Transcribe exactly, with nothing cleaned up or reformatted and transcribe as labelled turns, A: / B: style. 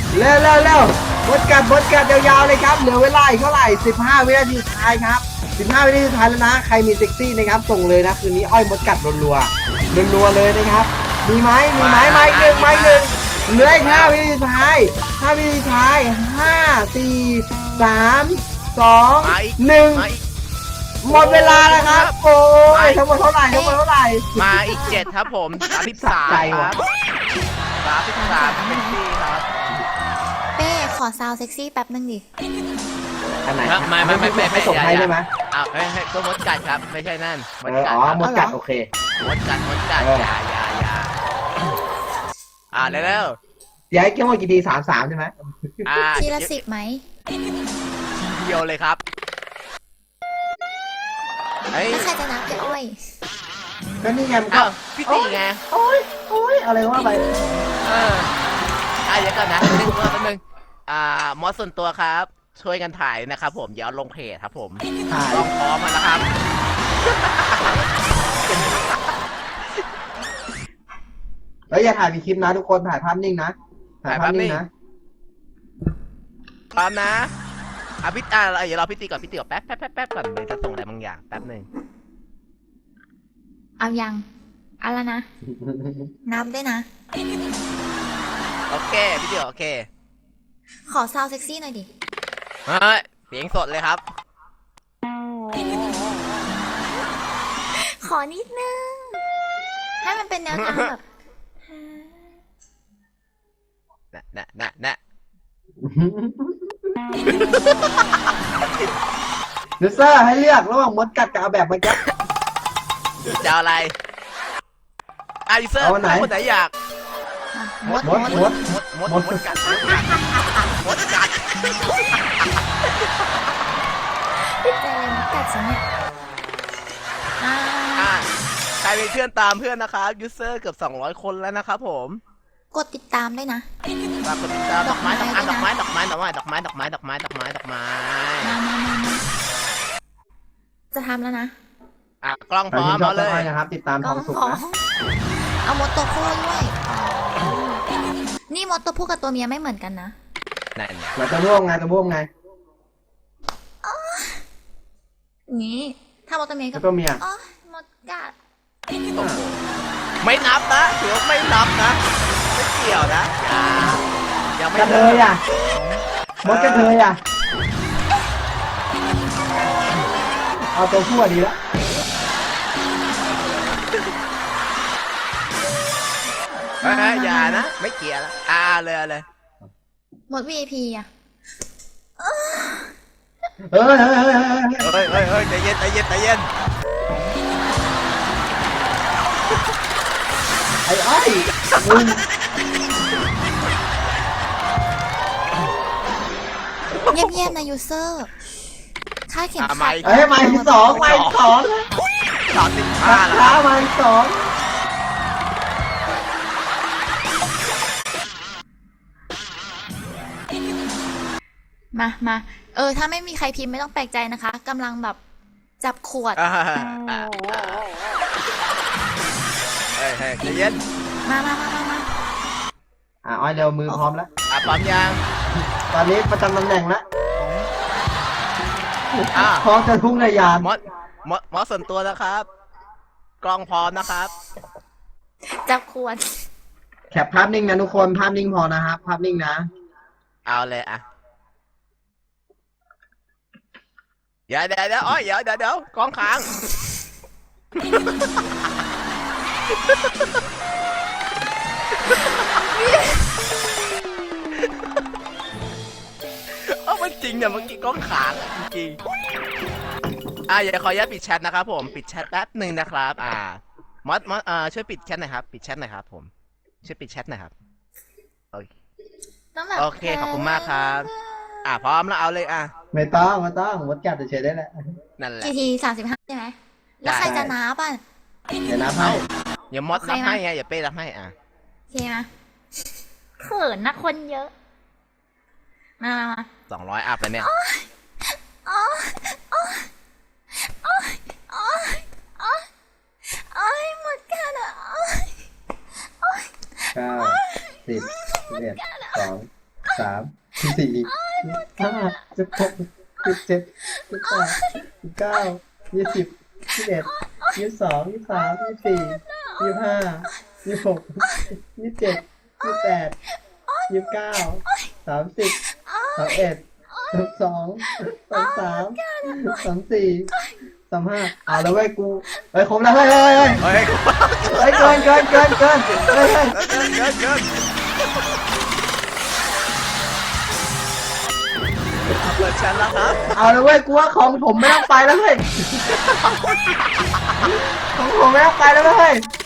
A: เร็วเร็วเร็วบดกัดบดกัดยาวๆเลยครับเหลือเวลาอีกเท่าไหร่สิบห้าวินาทีสุดท้ายครับสิบห้าวินาทีสุดท้ายแล้วนะใครมีเซ็กซี่นะครับส่งเลยนะคืนนี้อ้อยมดกัดรัวๆรัวๆเลยนะครับมีไหมมีไหมไม้หนึ่งไม้หนึ่งเหลืออีกห้าวินาทีสุดท้ายห้าวินาทีสุดท้ายห้าสี่สามสองหนึ่งหมดเวลาแล้วครับโอ้ยทั้งหมดเท่าไหร่ทั้งหมดเท่าไหร่
B: มาอีกเจ็ดครับผมสามสิบสามครับสามสิบสามเป็นที่ครับ
C: เป้ขอซาวเซ็กซี่แป๊บนึงดิ
A: อันไหน
B: ไม่ไม่ไม่ไม่
A: ไม่ส่งให้ได้ไหม
B: อ้าวให้ให้ก็มดกัดครับไม่ใช่นั่น
A: มดกัดอ๋อมดกัดโอเค
B: มดกัดมดกัดอย่าอย่าอย่าอ่าเร็ว
A: ๆย้ายเกี่ยวกับกี่ทีสามสามใช่ไหม
B: อ่า
C: ทีละสิบไหม
B: ทีเดียวเลยครับ
C: แล้วใครจะนับพี่อ้อย
A: ก็นี่ไงมันก็
B: พี่ตีไง
A: โอ้ยโอ้ยอะไรว่าไป
B: เอออ่ะเดี๋ยวก่อนนะนึงตัวนึงอ่ามอสส่วนตัวครับช่วยกันถ่ายนะครับผมเดี๋ยวลงเพจครับผม
A: ถ่าย
B: พร้อมมาแล้วครับ
A: แล้วอย่าถ่ายมีคลิปนะทุกคนถ่ายภาพนิ่งนะถ่ายภาพนิ่งนะ
B: พร้อมนะอ่ะพี่อ่ะเดี๋ยวเราพี่ตีก่อนพี่ตีก่อนแป๊บแป๊บแป๊บแป๊บก่อนเดี๋ยวจะส่งอะไรบางอย่างแป๊บหนึ่ง
C: เอายังเอาละนะนับด้วยนะ
B: โอเคพี่ตีโอเค
C: ขอซาวเซ็กซี่หน่อยดิ
B: เฮ้ยเสียงสดเลยครับ
C: ขอนิดนึงให้มันเป็นแนวทางแบบ
B: น่ะน่ะน่ะน่ะ
A: ยูเซอร์ให้เลือกระหว่างมดกัดกับเอาแบบเมื่อกี้
B: จะอะไรอ่ะยูเซอร์คนไหนอยาก
A: มดมดมด
B: มดมดมดกัดมดกัดมดกัด
C: ติดใจเลยมดกัดสิเนี่ย
B: อ่าใครเป็นเพื่อนตามเพื่อนนะครับยูเซอร์เกือบสองร้อยคนแล้วนะครับผม
C: กดติดตามด้วยนะ
B: ฝากกดติดตามดอกไม้ดอกไม้ดอกไม้ดอกไม้ดอกไม้ดอกไม้ดอกไม้ดอกไม้ดอกไม้ดอกไม้
C: จะทำแล้วนะ
B: อ่ะกล้องพร้อมเอาเลย
A: นะครับติดตามทองสุกนะ
C: เอามดตัวผู้ด้วยนี่มดตัวผู้กับตัวเมียไม่เหมือนกันนะ
B: นั่น
A: เราจะร่วมไงจะร่วมไง
C: นี่ถ้ามดตัวเมีย
A: กับตัวเมีย
C: อ๋อมดกัด
B: ไม่นับนะถือว่าไม่นับนะไม่เกี่ยวนะอย่ายังไม่
A: เลยอ่ะมดกันเลยอ่ะเอาตัวผู้ดีแล้ว
B: อย่านะไม่เกี่ยวแล้วอ่าเลยเลย
C: หมด วี ไอ พี อ่ะ
A: เฮ้ยเฮ้ย
B: เฮ้ยเฮ้ยเฮ้ยใจเย็นใจเย็นใจเย็น
A: ไอ้อ้อยมึง
C: เงียบๆนะยูเซอร์ค่าเข็มขัด
A: เฮ้ยไม้สองไม้สอง
B: สองสิบห้า
A: แล้วไม้สอง
C: มามาเออถ้าไม่มีใครพิมพ์ไม่ต้องแปลกใจนะคะกำลังแบบจับขวด
B: เฮ้ยเฮ้ยใจเย็น
C: มามามามามา
A: อ่ะอ้อยเร็วมือพร้อมแล้ว
B: อ่ะพร้อมยัง
A: ตอนนี้ประจำตำแหน่งแล้วพร้อมจะพุ่งในยาน
B: มดมดมดส่วนตัวนะครับกล้องพร้อมนะครับ
C: จับขวด
A: แคปภาพนิ่งนะทุกคนภาพนิ่งพอนะครับภาพนิ่งนะ
B: เอาเลยอ่ะเดี๋ยวเดี๋ยวเดี๋ยวอ้อยเดี๋ยวเดี๋ยวเดี๋ยวกล้องค้างเอามันจริงเนี่ยเมื่อกี้กล้องค้างจริงอ่ะอย่าขออนุญาตปิดแชทนะครับผมปิดแชทแป๊บหนึ่งนะครับอ่ามอสมอสอ่าช่วยปิดแชทหน่อยครับปิดแชทหน่อยครับผมช่วยปิดแชทหน่อยครับโอเคโอเคขอบคุณมากครับอ่ะพร้อมแล้วเอาเลยอ่ะ
A: ไม่ต้องไม่ต้องมดกัดเฉยได้แหละ
B: นั่นแหละ
C: กี่ทีสามสิบห้าใช่ไหมแล้วใครจะนับอ่ะ
A: เดี๋ยวนับให้
B: อย่ามดนับให้ไงอย่าเป้นับให้อ่ะ
C: โอเคไหมเขินนะคนเยอะมามา
B: สองร้อยอัพแล้วเนี่ย
C: อ๋ออ๋ออ๋ออ๋ออ๋ออ๋อหมดกันอ่ะ
A: เก้าสิบสิบเอ็ดสองสามสิบสี่สิบห้าสิบหกสิบเจ็ดสิบแปดสิบเก้ายี่สิบยี่สิบเอ็ดยี่สิบสองยี่สิบสามยี่สิบสี่ยี่สิบห้ายี่สิบหกยี่สิบเจ็ดยี่สิบแปดยี่สิบเก้าสามสิบสามเอ็ดสามสองสามสามสามสี่สามห้าเอาแล้วเว้ยกูเฮ้ยครบแล้วเฮ้ยเฮ้ยเฮ้ย
B: เฮ้ย
A: เฮ้ยเกินเกินเกินเกินเฮ้ยเฮ้ย
B: เกินเกินเกินเปิดแชทแล้วครับ
A: เอาแล้วเว้ยกูว่าของผมไม่ต้องไปแล้วเฮ้ยของผมไม่ต้องไปแล้วเว้ย